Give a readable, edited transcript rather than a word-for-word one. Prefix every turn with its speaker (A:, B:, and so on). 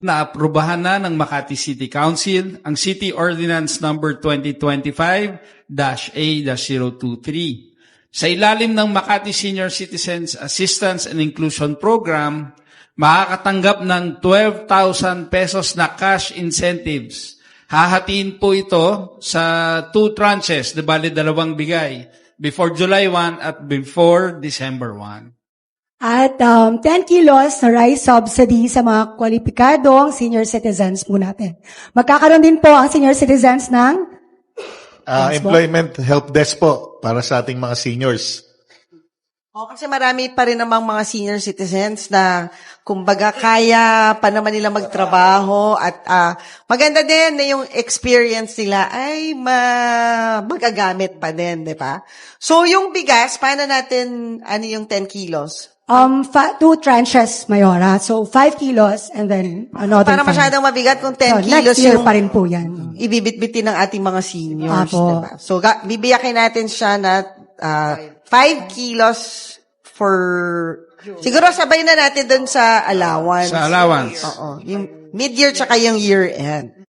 A: Naaprubahan na ng Makati City Council ang City Ordinance Number 2025-A-023. Sa ilalim ng Makati Senior Citizens Assistance and Inclusion Program, makakatanggap ng 12,000 pesos na cash incentives. Hahatiin po ito sa 2 tranches, di bali 2 bigay, before July 1 at before December 1.
B: At 10 kilos na rice subsidy sa mga kwalipikadong senior citizens po natin. Magkakaroon din po ang senior citizens ng
C: employment help desk po para sa ating mga seniors.
D: Kasi marami pa rin namang mga senior citizens na kumbaga kaya pa naman nila magtrabaho at maganda din na yung experience nila ay magagamit pa din, di ba? So yung bigas, paano natin, ano yung 10 kilos?
B: 2 tranches, Mayora. So 5 kilos and then another
D: Para
B: 5.
D: masyadong mabigat kung 10
B: So,
D: kilos
B: next year
D: yung
B: pa rin po yan.
D: ibibitbitin ng ating mga seniors,
B: Apo.
D: diba? So, bibiyakin natin siya na 5 kilos for... Siguro sabay na natin dun sa allowance.
A: Sa allowance.
D: Oo. Yung mid-year tsaka yung year-end.